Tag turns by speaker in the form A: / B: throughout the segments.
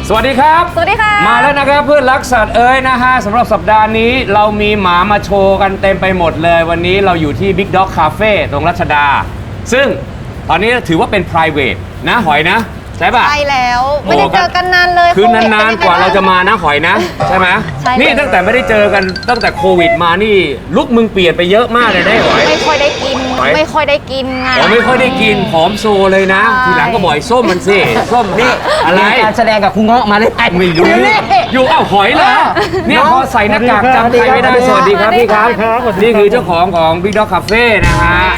A: สวัสดีครับ
B: สวัสดีค่ะ
A: มาแล้วนะครับเพื่อนรักสัตว์นะฮะสำหรับสัปดาห์นี้เรามีหมามาโชว์กันเต็มไปหมดเลยวันนี้เราอยู่ที่ Big Dog Cafe ตรงรัชดาซึ่งตอนนี้ถือว่าเป็น private นะหอยนะใช่ป่ะ
B: ใช่แล้วไม่ได้เจอกันนานเลย
A: คือนานๆกว่าเราจะมานะหอยนะใช่ไหม
B: ใช่
A: นี่ตั้งแต่ไม่ได้เจอกันตั้งแต่โควิดมานี่ลุกมึงเปลี่ยนไปเยอะมากเลยได้หอย
B: ไม่ค่อยได้กิน
A: หอย
B: ไม่ค่อยได้กินไง
A: อ๋อไม่ค่อยได้กินผอมโซเลยนะ
B: ใช่
A: ทีหลังก็บ่อยส้มมันสิส้มนี่อะไร
C: มีการแสดงกับคุณเงาะมาได้ไง
A: ไม่รู้อยู่อ้าวหอยเหรอเนี่ยพอใส่หน้ากากจำใครไม่ได้สวัสดีครับพี่ครับนี่คือเจ้าของBig Dog Cafe นะฮะ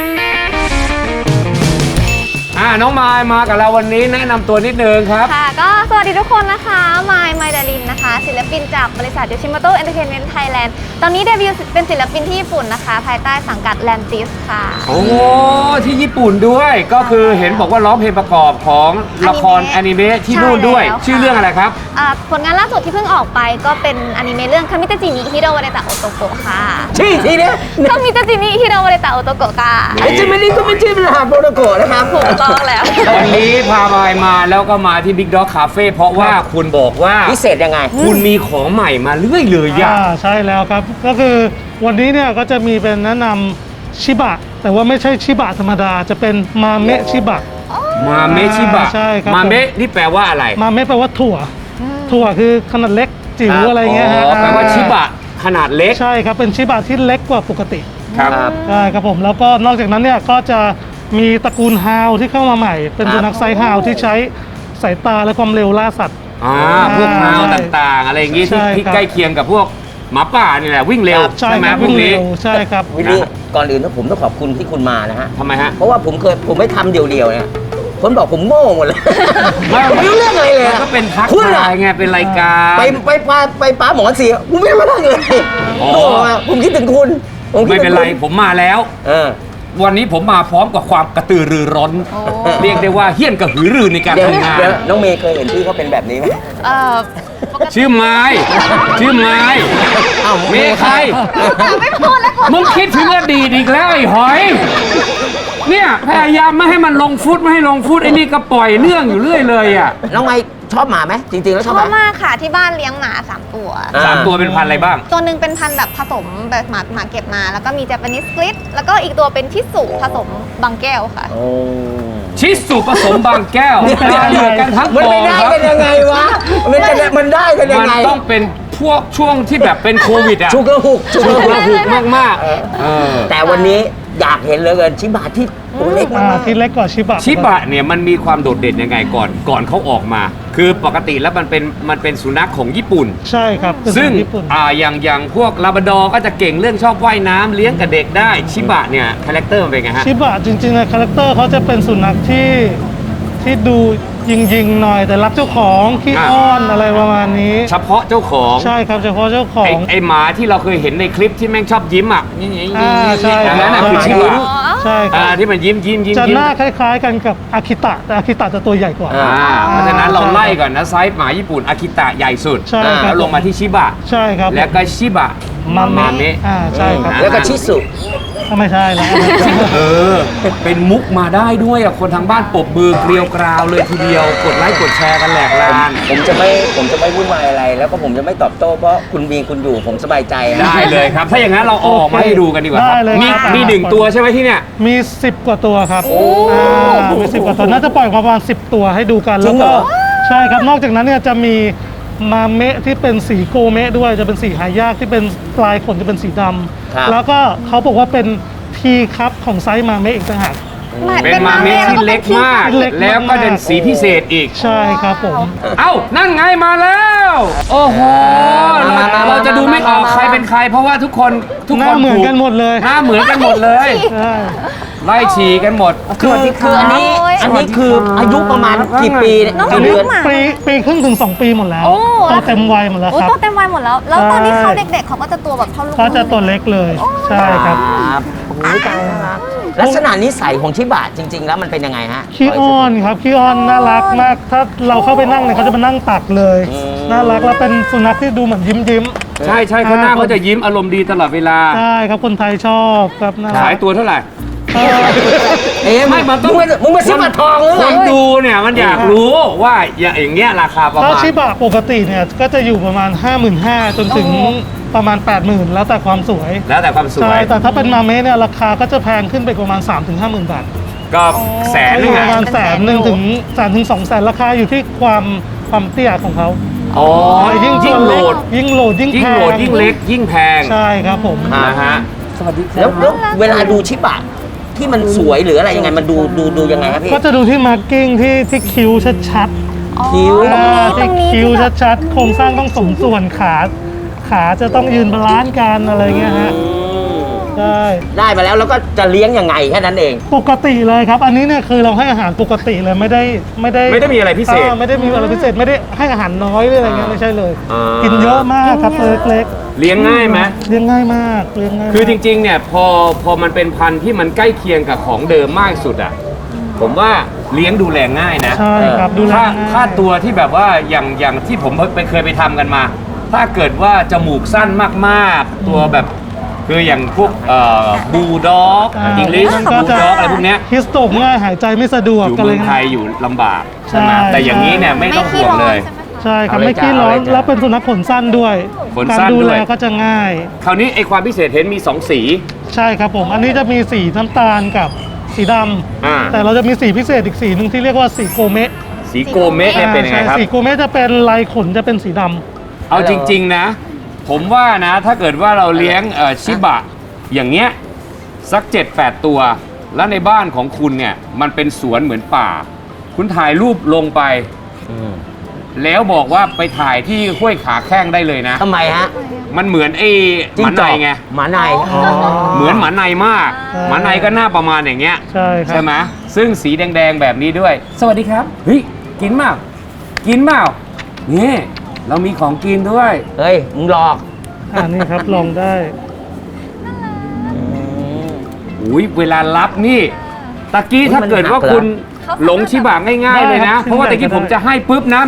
A: น้องมายมากับเราวันนี้แนะนำตัวนิดนึงครับ
B: ค่ะก็สวัสดีทุกคนนะคะมายดารินนะคะศิลปินจากบริษัท Yoshimoto Entertainment Thailand ตอนนี้เดบิวต์เป็นศิลปินที่ญี่ปุ่นนะคะภายใต้สังกัด Lantis ค่ะ
A: โอ้ที่ญี่ปุ่นด้วยก็คือเห็นบอกว่าร้องเพลงประกอบของละครอนิเมะที่นู่นด้วย
B: ใช่แล้วค่ะ
A: ชื่อเรื่องอะไรครับ
B: ผลงานล่าสุดที่เพิ่งออกไปก็เป็นอนิเมะเรื่องคามิตาจินิฮิโรวาเรตะโอโตโกะค่ะ
C: ชื่อทีเนี้ย
B: คามิตาจินิฮิโรวาเรตะโอโตโกะค่ะ
C: ไอ้จิมมี่นี่ก็ไม่ชื่อเป็นหาโปรโตโกะนะครับ
B: ถูกต้องแล้ว
A: วันนี้พามายมาแล้วก็มาที่ Big Dog Cafe เพราะว่าคุณบอกว่า
C: พิเศษยังไง
A: คุณมีของใหม่มาเรื่อยเลยอะ
D: ใช่แล้วครับก็คือวันนี้เนี่ยก็จะมีเป็นแนะนำชิบะแต่ว่าไม่ใช่ชิบะธรรมดาจะเป็นมาเมะชิบะ
A: มาเมะชิบะ
D: ใช่ครับ
A: มาเมะนี่แปลว่าอะไร
D: มาเมะแปลว่าถั่วถั่วคือขนาดเล็กจิ๋วอะไรเงี้ยฮะ
A: แปลว่าชิบะขนาดเล็ก
D: ใช่ครับเป็นชิบะที่เล็กกว่าปกติ
A: ครับ
D: ใช่ครับผมแล้วก็นอกจากนั้นเนี่ยก็จะมีตระกูลฮาวที่เข้ามาใหม่ เป็นสุนัขไซส์ฮาวที่ใช้สายตาและความเร็วล่าสัตว์
A: พวกฮาวต่างๆ อะไรอย่างงี้
D: ใช่
A: ที่
D: ครับ
A: ใกล้เคียงกับพวกหมาป่านี่แหละวิ่งเร็ว
D: ใช่
A: ใช่ไหม
D: ครับ
A: พว
D: วิ่
A: ก
D: ง
A: นี้
D: เร็วใช่ครับ
C: วิลลี่ก่อนอื่นผมต้องขอบคุณที่คุณมานะฮะ
A: ทำไมฮะ
C: เพราะว่าผมไม่ทำเดียวๆเนี่ยคนบอกผมโง่หมดเลย
A: ไม่
C: ไม่รู้เรื่องอะไรเลย
A: มัน
C: อะ
A: ก็เป็นทัก
C: คุณ
A: ทา
C: อะ
A: ยไงเป็นรายการ
C: ไปป้าหมอเสียผมไม่ได้มานั่งเลย
A: อ๋อ
C: ผมคิดถึงคุณผมคิด
A: ไม่
C: ถึง
A: เป็นไร
C: คุณ
A: ผมมาแล้ว
C: เออ
A: วันนี้ผมมาพร้อมกับความกระตือรือร้น
B: โอ้
A: เรียกได้ว่าเฮี้ยนกระหือรือในการ
C: เดี๋ยว
A: ทำงาน
C: เดี๋ยวน้องเมย์เคยเห็นพี่เขาเป็นแบบนี้ไหม
B: ปกติ
A: ชื่อไม้ชื่อไม้
C: อ้าว
A: เมย์ใคร
B: ไม่พูดแล้ว
A: มึงคิดถึงอดีตอีกแล้วไอ้หอย เนี่ยพยายามไม่ให้มันลงฟุตไม่ให้ลงฟุตไอ้นี่ก็ปล่อยเรื่องอยู่เรื่อยเลยอ่ะ
C: น้องไมค์ชอบหมาไหมจริงๆแล้วช
B: ช
C: อ
B: อ
C: บบ ไหม
B: มากค่ะที่บ้านเลี้ยงหมา 3 ตัว
C: อ่า
A: สามตัวเป็นพันธุ์อะไรบ้าง
B: ตัวหนึ่งเป็นพันธุ์แบบผสมแบบหมาเก็บมา แล้วก็มี Japanese Split แล้วก็อีกตัวเป็นชิสุผสมบางแก้วค่ะ
C: โอ้
A: ชิสุผสมบางแก้ว
D: เดี๋ยว
A: เหลือกันทั้ง
C: มัน
A: กอ
C: ไม่
A: ง
C: ได้
A: ครับ
C: กันยังไงวะมันได้กันยัง
A: มัน
C: ไง
A: ต้องเป็นพวกช่วงที่แบบเป็นโควิดอ่ะ
C: ชุกระหุก
A: ฉุกระหุกมากๆ
C: แต่วันนี้อยากเห็นเหลยเกินชิบะที่ตัวเล็กมาก
D: ที่เล็กกว่าชิบะ
A: ชิบะเนี่ยมันมีความโดดเด่นยังไงก่อนเขาออกมา คือปกติแล้วมันเป็นสุนัขของญี่ปุ่น
D: ใช่ครับเป็น
A: ซึ่ง
D: ญี่ปุ่น
A: อย่างพวกลาบราดอร์ก็จะเก่งเรื่องชอบว่ายน้ำเลี้ยงกับเด็กได้ชิบะเนี่ยคาแรคเตอร์มันเป็นไงฮะ
D: ชิบะจริงๆนะคาแรคเตอร์เขาจะเป็นสุนัขที่ดูยิงๆหน่อยแต่รักเจ้าของขี้อ้อนอะไรประมาณนี้
A: เฉพาะเจ้าของ
D: ใช่ครับเฉพาะเจ้าของ
A: ไอหมาที่เราเคยเห็นในคลิปที่แม่งชอบยิ้มอ่ะนี่
D: ใช่
A: อันนั้นน่ะคือชิบะ
D: ใช่ครับ
A: ที่มันยิ้ม
D: จะหน้าคล้ายๆกันกับอากิตะแต่อากิตะจะตัวใหญ่กว่า
A: เพราะฉะนั้นเราไล่ก่อนนะไซส์หมาญี่ปุ่นอากิตะใหญ่สุด
D: ใช่ครับ
A: แล้วลงมาที่ชิบะ
D: ใช่ครับ
A: แล้วก็ชิบะ
D: มาเมะ
A: เมะ
D: ใช่ครับ
C: แล้วก็ชิสุ
D: ไม่ใช่แล้ว
A: เป็นมุกมาได้ด้วยอ่ะคนทางบ้านปรบมือเกลียวกราวเลยทีเดียวกดไลค์กดแชร์กันแหลกลาน
C: ผมจะไม่วุ่นวายอะไร แล้วก็ผมจะไม่ตอบโต้เพราะคุณมีคุณอยู่ผมสบายใจฮะ
A: ได้เลยครับ ถ้าอย่างนั้นเราเอาออกมาให้ดูกันดีกว่าครับ
D: ได้เลย
A: มี
D: ครับ
A: มีหนึ่งตัวใช่ไหมที่เนี่ย
D: มี10 กว่าตัวครับมี10 กว่าตัวน่าจะปล่อยประมาณ10 ตัวให้ดูกัน
C: จริ
D: แล้ว
C: งเหร
D: ก็
C: อ
D: ใช่ครับนอกจากนั้นเนี่ยจะมีมาเมะที่เป็นสีโกเมะด้วยจะเป็นสีหายากที่เป็นปลายขนจะเป็นสีดำแล้วก็เขาบอกว่าเป็นทีครับของไซส์มาเมะอีกต่างหาก
A: เป็นมาเมะที่เล็กมาก
D: เล็กมาก
A: แล้วก็เป็นสีพิเศษอีก
D: ใช่ครับผม
A: เอ้า นั่นไงมาแล้ว โอ้โห เราจะดูไม่ออกใครเป็นใคร เพราะว่าทุกคน
D: หน้าเหมือนกันหมดเลย
A: หน้าเหมือนกันหมดเลย
D: ใช่
A: ไล่ฉี่กันหมด
C: คืออันนี้คืออายุประมาณกี่ปีเนี่ย
B: น้อง
C: กี่เดือน
B: หมา
D: ปีครึ่งถึง 2 ปีหมดแล้ว
B: โอ้
D: โตเต็มวัยหมดแล้ว
B: โอ้
D: ครับ
B: โตเต็มวัยหมดแล้ว แล้วตอนที่
D: ใช่
B: เขาเด็กๆเขาก็จะตัวแบบเท่าลูก
D: ก็จะตัวเล็กเลยใช่ครับ
C: ครับโอ้โหตายน่ารักลักษณะนิสัยของชิบะจริง ๆ แล้วมันเป็นยังไงฮะ
D: ขี้อ้อนครับขี้อ้อนน่ารักมากถ้าเราเข้าไปนั่งเนี่ยเขาจะมานั่งตักเลย น่ารักแล้วเป็นสุนัขที่ดูเหมือนยิ้ม
A: ใช่เขาหน้าเขาจะยิ้มอารมณ์ดีตลอดเวลา
D: ใช่ครับคนไทยชอบครับน่ารั
A: ขาย
D: ก
A: ตัวเท่าไหร่ไม่มันต้อง
C: มึงมาซื้อมาทองหรือ
A: ค
C: ไง
A: นดูเนี่ยมันอยากรู้ว่าอย่างเงี้ยราคาประ
D: ถ้า
A: มาณ
D: ชิบะปกติเนี่ยก็จะอยู่ประมาณ 55,000 จนถึงประมาณ 80,000 แล้วแต่ความสวย
A: แล้วแต่ความสว
D: ใช่
A: ย
D: แต่ถ้าเป็นมาเมะเนี่ยราคาก็จะแพงขึ้นไปประมาณ 3-50,000 บาท
A: ก็แสน
D: ก็อ
A: นึง
D: ยู่ป
A: อ่ะ
D: ระมาณ100,000ถึง200,000ราคาอยู่ที่ความเตี้ยของเขา
A: อ๋อ
D: ยิ่ง
A: ยิ่งโหลด
D: ยิ่งโหลดยิ่ง
A: ยิ่
D: แพ
A: ง
D: ง
A: โหลดยิ่งเล็กยิ่งแพง
D: ใช่ครับผม
A: นะฮะสวัสดีครั
C: แล้ว
A: บ
C: เวลาดูชิบะที่มันสวยหรืออะไรยังไงมันดูยังไงครับพี่
D: ก็จะดูที่มาร์กิ้งที่คิ้วชัด
C: คิ้ว
D: ๆ
B: ตรงนี้
D: คิ้ว
B: ที่แบบ
D: ชัดๆโครงสร้างต้องสมส่วนขาจะต้องยืนบาลานซ์กันอะไรเงี้ยฮะใช่
C: ได้มาแล้วก็จะเลี้ยงยังไงแค่นั้นเอง
D: ปกติเลยครับ อันนี้เนี่ยคือเราให้อาหารปกติเลยไม่ได้
A: ไม่ได้มีอะไรพิเศษ
D: ไม่ได้มีอะไรพิเศษไม่ได้ให้อาหารน้อยหรืออะไรเงี้ยไม่ใช่เลย
A: อ่ากิ
D: กินเยอะมากครับตัวเล็ก
A: เลี้ยงง่ายไหม
D: ๆเลี้ยงง่ายมากเลี้ยงง่ายมาก
A: คือจริงๆเนี่ยพอมันเป็นพันธุ์ที่มันใกล้เคียงกับของเดิมมากสุดอ่ะผมว่าเลี้ยงดูแลง่ายนะ
D: ใช่ครับดูแล
A: ถ้า
D: ง่าย
A: ถ้าตัวที่แบบว่าอย่างที่ผมเคยไปทำกันมา ถ้าเกิดว่าจมูกสั้นมากๆ ตัวแบบคืออย่างพวกบูลด็อกอังกฤษ
D: มัน
A: บู
D: ก็
A: ล
D: จะ
A: ด็อกอะไรพวกเนี้ย
D: ฮิสโตกง่ายหายใจไม่สะดวก
A: อยู่
D: กัน
A: เมื
D: เล
A: อง
D: ย
A: ไทยอยู่ลำบากใช่ไหม
D: ใช่
A: แต่อย่างนี้เนี่ยไม่ต้องห่วงเลย
D: ใช่ครับ
C: เอาเลย
D: ไม่ขี้ร้อน
C: จ้ะเอาเลยจ้ะ
D: แล้วเป็นสุนัขขนสั้นด้วย
A: ขน
D: การ
A: สั้น
D: ดู
A: ด้
D: แล
A: วย
D: ก็จะง่าย
A: คราวนี้ไอความพิเศษเห็นมี 2 สี
D: ใช่ครับผมอันนี้จะมีสีน้ำตาลกับสีดำ
A: อ่า
D: แต่เราจะมีสีพิเศษอีกสีหนึ่งที่เรียกว่าสีโกเมะ
A: สีโกเมะเนี่ยเป็นยังไงครับ
D: ใช่สีโกเมะจะเป็นลายขนจะเป็นสีดำ
A: เอาจริง ๆ นะ ผมว่านะถ้าเกิดว่าเราเลี้ยงชิบะอย่างเงี้ยสัก 7-8 ตัว แล้วในบ้านของคุณเนี่ยมันเป็นสวนเหมือนป่า คุณถ่ายรูปลงไป แล้วบอกว่าไปถ่ายที่ห้วยขาแข้งได้เลยนะ
C: ทำไมฮะ
A: มันเหมือนไอ้หมาในไง
C: หมาใน
A: เหมือนหมาในมาก
D: ใช่
A: หมาในก็หน้าประมาณอย่างเงี้ย
D: ใช่ครับ
A: ใช่ไหมซึ่งสีแดง ๆ แบบนี้ด้วย สวัสดีครับ เฮ้ย กินเปล่ากินเปล่านี่เรามีของกินด้วย
C: เฮ้ยมึงหลอก
D: นี่ครับลองได้
A: อุ้ยเวลารับนี่ตะกี้ถ้าเกิดว่าคุณหลงชิบะง่ายๆเลยนะ
D: ได้ครับ
A: เพราะว่าตะกี้
D: ได้
A: ผมจะให้ปุ๊บนะ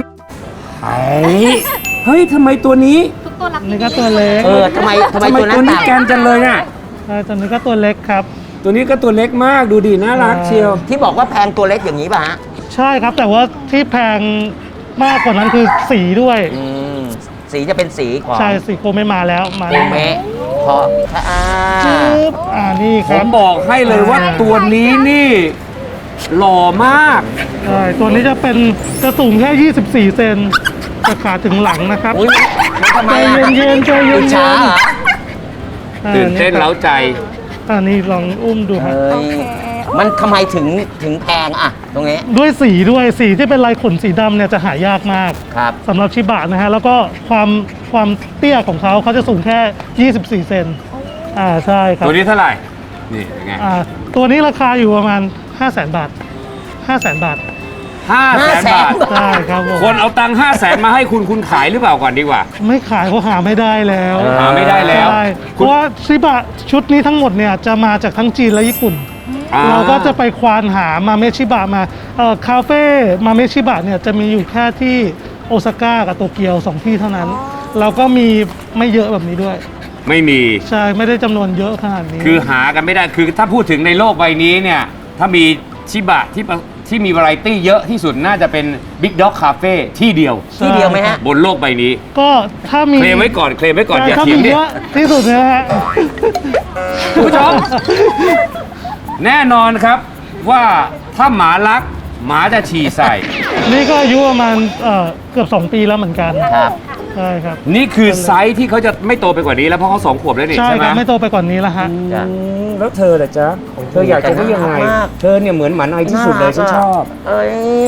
A: เฮ้ยทำไมตัวนี้
B: ทุกตัวรัก
D: นี่ก็ตัวเล็ก
C: ทำไมตัวนั้น
A: ตัวนี้
C: ต่าง
A: แกนจังเลยน่ะ
D: ใช่ตัวนี้ก็ตัวเล็กครับ
A: ตัวนี้ก็ตัวเล็กมากดูดิน่ารักเชียว
C: ที่บอกว่าแพงตัวเล็กอย่างนี้ป่ะฮะ
D: ใช่ครับแต่ว่าที่แพงมากกว่านั้นคือสีด้วย
C: สีจะเป็นสีของ
D: ใช่สีโกไม่มาแล้วมา
C: โก
D: แล้ว
C: เมะเพราะ
D: ปึ๊บนี่ค
A: ผ
D: รับ
A: มบอกให้เลยว่าตัวนี้นี่หล่อมาก
D: ใช่ตัวนี้จะเป็นจะสูงแค่ 24 เซนจะขาถึงหลังนะครับ
C: อุ้ยทำไม
D: ใจ
C: อะ
D: เย็นๆใจเย็
C: อิจฉาน เหรอ
D: ๆ
A: ตื่นเต้นเล้าใจ
D: นี่ลองอุ้มดูครับ
C: เฮ้ยมันทำไมถึงแพงอะตรงนี้
D: ด้วยสีที่เป็นลายขนสีดำเนี่ยจะหายากมาก
C: ครับ
D: สำหรับชิบะนะฮะแล้วก็ความเตี้ยของเขาจะสูงแค่ 24 เซนใช่ครับ
A: ตัวนี้เท่าไหร่ นี่เป็นไง
D: ตัวนี้ราคาอยู่ประมาณ 500,000 บาท 500,000 บาท
A: 500,000 บาท
D: ใช่ครับผม
A: คนเอาตังค์500,000 มาให้คุณขายหรือเปล่าก่อนดีกว่า
D: ไม่ขายเพราะหาไม่ได้แล้ว
A: หาไม่ได้แล้ว
D: ใช่เพราะว่าชิบะชุดนี้ทั้งหมดเนี่ยจะมาจากทั้งจีนและญี่ปุ่น เราก็จะไปควานหามาเมชิบะมาคาเฟ่มาเมชิบะเนี่ยจะมีอยู่แค่ที่โอซาก้ากับโตเกียว2ที่เท่านั้น เราก็มีไม่เยอะแบบนี้ด้วย
A: ไม่มี
D: ใช่ไม่ได้จำนวนเยอะขนาดนี้
A: คือหากันไม่ได้ คือถ้าพูดถึงในโลกใบนี้เนี่ย ถ้ามีชิบะที่มีวาไรตี้เยอะที่สุดน่าจะเป็น Big Dog Cafe ที่เดียว
C: ที่เดียวไหมฮะ
A: บนโลกใบนี้
D: ก็ถ้ามี
A: เคลมไว้ก่อน อย่า
D: ถ้า
A: เถีย
D: มี
A: งดิ
D: เยอะที่สุดนะฮะ
A: คุณผู้ชม แน่นอนครับว่าถ้าหมารัก หมาจะฉี่ใส่
D: นี่ก็อายุประมาณเกือบ 2 ปีแล้วเหมือนกัน
C: ครับ
D: ใช่ครับ
A: นี่คือไซส์ที่เขาจะไม่โตไปกว่านี้แล้วเพราะเขา2 ขวบแล้วนี่
D: ใช่
A: ใช่ไห
D: ค
A: ม
D: รับไม่โตไปกว่านี้แล้วฮะ
C: จ้ะ
A: แล้วเธอล่ะจ๊ะ เธออยากจะได้ยังไง
C: น่ารักมาก
A: เธอเนี่ยเหมือนหมาในที่สุดเลยฉันชอบ
C: เอ้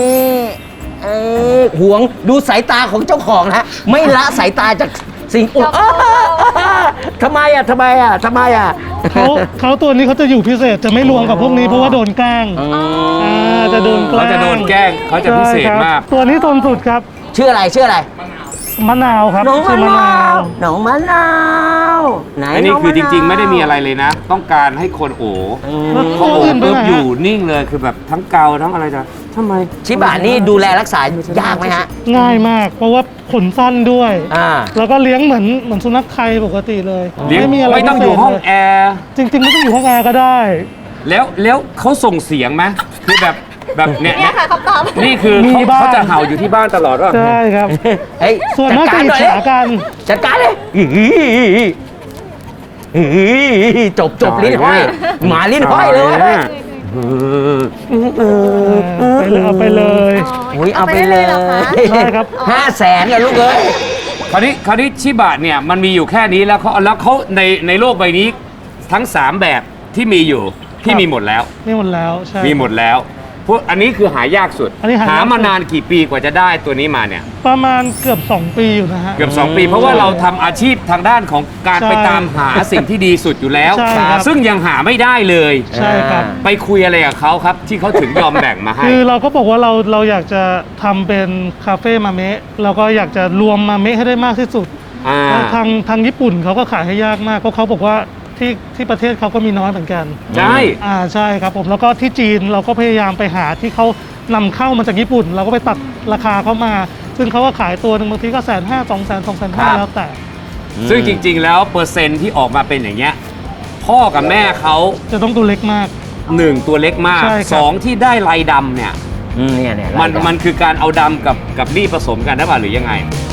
C: ยหวงดูสายตาของเจ้าของนะไม่ละสายตาจากสิ่งทำไมอ่ะ
D: เขาตัวนี้เขาจะอยู่พิเศษจะไม่รวมกับพวกนี้เพราะว่าโดนแกล้งจะโดนแกล้ง
A: เขาจะโดนแกล้งเขาจะพิเศษมาก
D: ใช่ครับตัวนี้ทนสุดครับ
C: ชื่ออะไร
D: มะนาวครับ
C: น้อง
D: ชื่อ
C: มะนาวไหน
A: อันนี้
C: ง
A: คือจริง ๆ
C: ะนาว
A: ไม่ได้มีอะไรเลยนะ ต้องการให้คนโอ้
D: แล้ว
A: เขา
D: ตัว
A: โอ้
D: อื่นไป
A: ปุ๊บ
D: ไหน
A: อยู่
D: ฮะ
A: นิ่งเลยคือแบบทั้งเกาทั้งอะไรจะทำไม
C: ชิบะนี่ดูแลรักษายากไหมฮะ
D: ง่ายมาก เพราะว่าขนสั้นด้วย
C: อ่า
D: แล้วก็เลี้ยงเหมือนสุนัขไทยปกติเลย
A: เลี้ยง
D: ไม่มีอะไร
A: ไม่ต้องอยู่ห้อง
D: พิเศษ
A: แอร์
D: เลยจริงๆไม่ต้องอยู่ห้องแอร์ก็ได้
A: แล้วเขาส่งเสียงไหมคือแบบเนี่ย
B: เนี่ยค่ะคำตอบ
A: นี่คือ
D: มี
A: เขา
D: บ้าง
A: เขาจะเห่าอยู่ที่บ้านตลอดว่า
D: ใช่ครับ
C: เฮ้ย
D: ส่วนมาก
C: จั
D: จะ
C: ด
D: อิจ
C: หน่อย
D: ฉากัน
C: จัดการเลยจบลิ้นห้อยหมาลิ้นห้อยเลย
D: เอาไปเลย
C: อุ้ยเอาไปเลย
B: เหรอคะ
D: ใช่ครับ
C: 500,000กันลูกเอ้ย
A: คราวนี้ชิบะเนี่ยมันมีอยู่แค่นี้แล้วเขาในโลกใบนี้ทั้ง 3 แบบที่มีอยู่ที่มีหมดแล้ว
D: นี่หมดแล้วใช่
A: มีหมดแล้วพวกอันนี้คือหายากสุด
D: อันนี้หายาก
A: หามานานกี่ปีกว่าจะได้ตัวนี้มาเนี่ย
D: ประมาณเกือบ 2 ปีอยู่นะฮะ
A: เกือบ 2 ปี เพราะว่าเราทำอาชีพทางด้านของการ
D: ใช่
A: ไปตามหาสิ่งที่ดีสุดอยู่แล้ว
D: ใช่ครับ
A: ซึ่งยังหาไม่ได้เลย
D: ใช่ครับ
A: ไปคุยอะไรกับเขาครับ ที่เขาถึงยอมแบ่งมาให้
D: คือเราก็บอกว่าเราอยากจะทำเป็นคาเฟ่มาเมะเราก็อยากจะรวมมาเมะให้ได้มากที่สุด
A: อ่า
D: แล้วทางญี่ปุ่นเขาก็ขายให้ยากมากเพราะเขาบอกว่าที่ประเทศเขาก็มีน้อยเหมือนกัน
A: ใช่
D: ใช่ครับผมแล้วก็ที่จีนเราก็พยายามไปหาที่เขานำเข้ามาจากญี่ปุ่น เราก็ไปตัดราคาเข้ามา ซึ่งเขาก็ขายตัวหนึ่งบางทีก็150,000 250,000แล้วแต่
A: ซึ่งจริง ๆ แล้วเปอร์เซ็นต์ที่ออกมาเป็นอย่างเงี้ยพ่อกับแม่เขา
D: จะต้องตัวเล็กมาก
A: 1 ตัวเล็กมาก
D: ใช่ครับ
A: 2 ที่ได้ลายดำเนี่ย
C: เนี่ย
A: มันคือการเอาดำกับนี่ผสมกันได้ป่ะหรือยังไง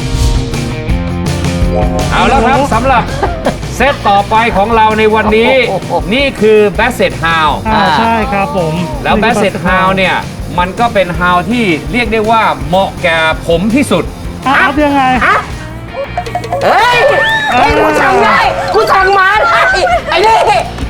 A: เอาแล้วครับสำหรับเซตต่อไปของเราในวันนี้ นี่คือ Basset Hound
D: ใช่ครับผม
A: แล้ว Basset Hound เนี่ย มันก็เป็น Hound ที่เรียกได้ว่าเหมาะแก่ผมที่สุด
D: ครับยังไง
C: เฮ้ยกูสั่งได้กูสั่งมาได้ไอ้นี่